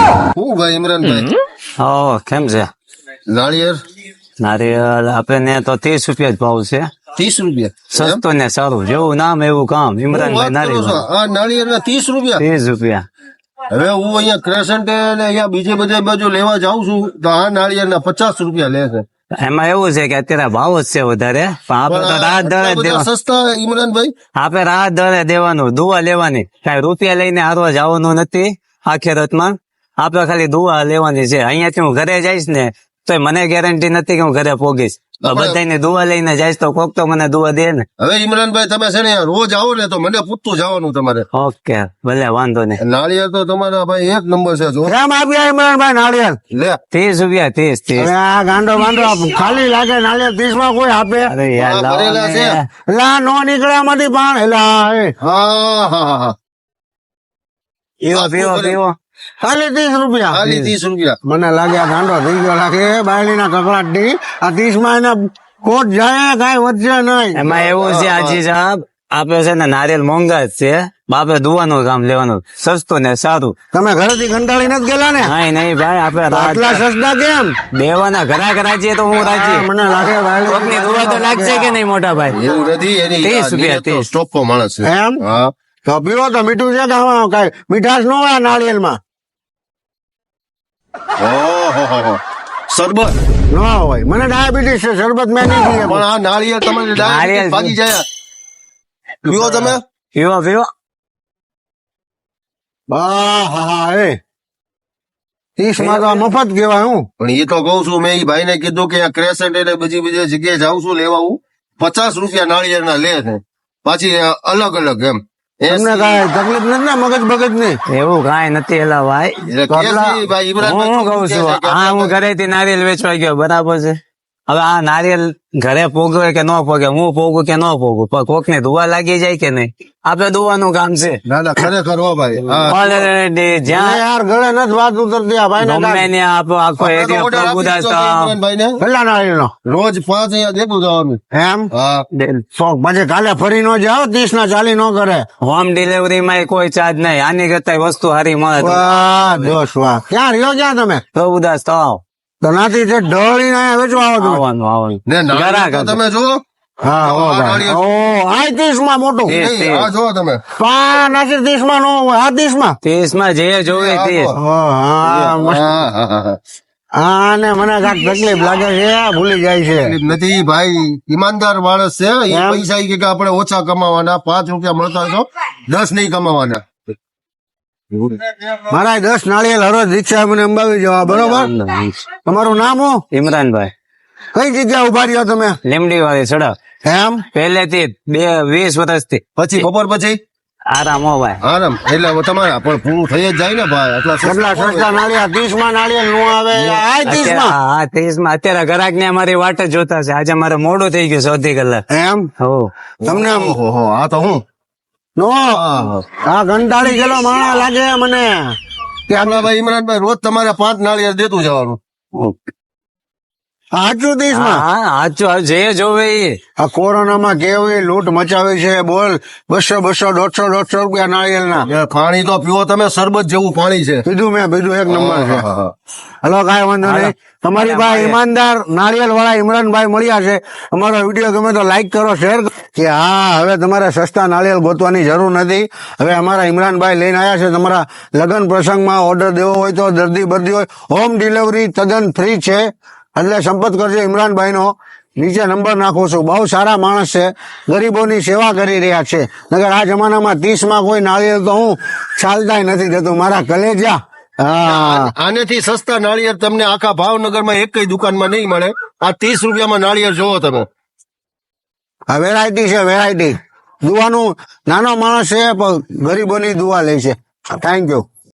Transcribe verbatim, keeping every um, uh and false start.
હું ભાઈ ઇમરાનભાઈ હો કેમ છે નાળિયેર નારિયેળ આપણે તો ત્રીસ રૂપિયા જ ભાવ છે ત્રીસ રૂપિયા સસ્તું ને સારું જેવું નામ એવું કામ હું ઇમરાનભાઈ વાત કરું છું. નારિયેળ આ નાળિયેર ના ત્રીસ રૂપિયા ત્રીસ રૂપિયા હવે હું અહીંયા ક્રેસન્ટ ને અહીંયા બીજે બધે બાજુ લેવા જાઉં છું તો આ નાળિયેર ના પચાસ રૂપિયા લે છે એમાં એવું છે કે અત્યારે ભાવ જ છે વધારે પણ આપણે તો રાત દરે આટલા બધા દેવા સસ્તા ઇમરાનભાઈ આપણે રાત દરે દેવાનું દુઆ લેવાની કઈ રૂપિયા લઈને હારવા જવાનું નથી આખેરતમાં આપણે ખાલી દુઆ લેવાની છે અહીંયાથી હું ઘરે જઈશ ને તો મને ગેરંટી નથી કે હું ઘરે પોગીશ બધાને દુઆ લઈને જઈશ તો કોક તો મને દુઆ દે ને હવે ઇમરાનભાઈ તમે છે ને રોજ આવો ને તો મને પૂછતું જવાનું તમારે ઓકે ભલે વાંધો નહીં નાળિયેર તો તમારા ભાઈ એક નંબર છે જો કેમ આપ્યા ઇમરાનભાઈ નાળિયેર? લે ત્રીસ રૂપિયા ત્રીસ ત્રીસ હવે આ ગાંડો ગાંડો ખાલી લાગે નાળિયેર ત્રીસ માં કોઈ આપે? અરે યાર આ લાવો ભરેલા છે. ને. એલા નો નીકળ્યા માંથી પણ એલા એ હા હા હા હા પીવો પીવો પીવો ખાલી ત્રીસ રૂપિયા ખાલી ત્રીસ રૂપિયા મને લાગે આ ગાંડો થઈ ગયો લાગે બાયડી ના કકડાટ થી આ ત્રીસ માં એના કોટ જાય કઈ વધશે નહીં. એમાં એવું છે આજી સાહેબ આપડે છે ને નારિયેલ મોંઘા જ છે બાપે દુવાનું કામ લેવાનું સસ્તું ને સારું તમે ઘરેથી કંટાળી નથી ગયેલા ને? નહીં નહીં ભાઈ આપડે રાત આટલા સસ્તા કેમ? દેવાના ઘરાક રાજ્ય તો હું રાજ્ય મને લાગે કોકની દુઆ તો લાગશે કે નહીં મોટા ભાઈ એવું નથી એની ત્રીસ રૂપિયા, ત્રીસ. સ્ટોપ માણસ છે એમ? હા તો પીવો તો મીઠું છે કે આમાં કઈ મીઠાશ ન હોય નાળિયેર માં? ઓહો સરબત ન હોય. મને ડાયાબિટીસ છે, શરબત મેં નહીં પીએ. પણ આ નાળિયેર તમારે નાળિયેર ડાયરેક્ટ ભાગી જાય પીવો તમે પીવો પીવો હા હા હા એ ત્રીસ માં તો આ મફત કેવાય. હું પણ એ તો કઉ છું મેં એ ભાઈ ને કીધું કે ક્રેસન્ટ એટલે બીજી બીજી જગ્યાએ જાઉં છું લેવા હું પચાસ રૂપિયા નાળિયેર ના લે છે પાછી અલગ અલગ એમ તમને કઈ તકલીફ નથી ને મગજ બગજ ની? એવું કાંઈ નથી એલા ભાઈ એટલે કે છે ભાઈ હું ઇમરાનભાઈ શું કઉ છું હા હું ઘરેથી નારિયેલ વેચવા ગયો બરાબર છે હવે આ નારિયેલ ઘરે પોગવે કે ન પોગે હું પોગું કે ન પોગું પણ કોક ને દુવા લાગી જાય કે નહીં આપડે દુવાનું કામ છે ના ના ખરેખર હો ભાઈ હા. Already અરે જ્યાં યાર ગળે નથી વાત ઉતરતી આ ભાઈ ગમે ને. ને આપણો આખો આપણે તો એરિયો order આપી દીધો છે પ્રભુદાસ ઇમરાનભાઈ ને. કેટલા નાળિયેર નો? રોજ પાંચ અહીંયા દેખું જવાનું એમ હા શોખ પછી કાલે ફરી નો જાઓ ત્રીસ ના ચાલી નો કરે. હોમ ડિલિવરી માં કોઈ ચાર્જ નહીં આની કરતા વસ્તુ સારી મળે તો વાહ દોષ વાહ. ક્યાં રહ્યો ક્યાં તમે? પ્રભુદાસ તો આવો તો નાથી તે ઢળી ને અહીંયા વેચવા આવો તમે? આવવાનું આવવાનું ને નાળિયેર ઘરાક તો હતું. તમે જુઓ હા હો આ ભાઈ. નાળિયેર. ઓ આ ત્રીસ માં મોટું. એ. નહીં, આ જુઓ તમે પા નાથી ત્રીસ માં નો હોય આ ત્રીસ માં. ત્રીસ માં જે જોવે આ ત્રીસ તો. હા હા મસ્ત. હા હા હા હા હા ને મને કાંઈક તકલીફ લાગે છે ભૂલી જાય છે. તકલીફ નથી ભાઈ ઈમાનદાર માણસ છે એ એમ? પૈસા ઈ કે આપણે ઓછા કમાવાના પાંચ રૂપિયા મળતા હોય તો દસ નહીં કમાવાના મારા દસ નાળિયેર હરોજ રિક્ષા મને અંબાવી જવા બરોબર. તમારું નામ હું? ઇમરાનભાઈ કઈ જગ્યા ઉભા રહ્યો તમે? લીમડી વાળી સડક એમ પહેલેથી બે વીસ વર્ષથી પછી બપોર પછી આરામ હો ભાઈ આરામ એટલે હવે તમારા પણ પૂરું થઈ જ જાય ને ભાઈ એટલા કેટલા સસ્તા નાળિયેર ત્રીસ માં નાળિયેર નું આવે આ ત્રીસ અત્યારે- માં. હા ત્રીસ માં અત્યારે ગ્રાહક ને અમારી વાટ જ જોતા છે આજે મારે મોડું થઈ ગયું છે અડધી કલાક એમ હો તમને ઓહો આ તો હું નો આ કંટાળી ગયેલો માણસ લાગે મને. આપણા ભાઈ ઇમરાનભાઈ રોજ તમારે પાંચ નાળિયેર દેતું જવાનું સાચું ત્રીસ માં. હા સાચું જે જોવે એ આ કોરોનામાં કેવી લૂંટ મચાવી છે બોલ. બસો બસો દોઢસો દોઢસો રૂપિયા નાળિયેર ના. એ પાણી તો પીવો તમે શરબત જેવું પાણી છે પીધું મેં પીધું એક નંબર છે. હા, હા. હલો કાંઈ વાંધો નહીં. તમારી પાસે ઈમાનદાર નાળિયેર વાળા ઇમરાનભાઈ મળ્યા છે. અમારો વિડીયો ગમે તો લાઈક કરો શેર કરો. કે હા હવે તમારે સસ્તા નાળિયેર ગોતવાની જરૂર નથી. હવે અમારા ઇમરાનભાઈ લઈને આવ્યા છે. તમારા લગ્ન પ્રસંગમાં ઓર્ડર દેવો હોય તો દર્દી બર્દી હોય હોમ ડિલિવરી તદ્દન ફ્રી છે. એટલે સંપર્ક કરજો ઇમરાનભાઈ નો. નીચે નંબર નાખું છું. બહુ સારા માણસ છે. ગરીબોની સેવા કરી રહ્યા છે. નગર આ જમાનામાં ત્રીસ માં કોઈ નાળિયેર તો હું ચાલતાય નથી દેતું મારા કલેજા. હા આનેથી સસ્તા નાળિયેર તમને આખા ભાવનગરમાં એક કઈ દુકાનમાં નહીં મળે આ ત્રીસ રૂપિયામાં નાળિયેર જોવો તમે આ વેરાયટી છે વેરાયટી. દુવાનું નાનો માણસ છે પણ ગરીબોની દુઆ લે છે. Thank you.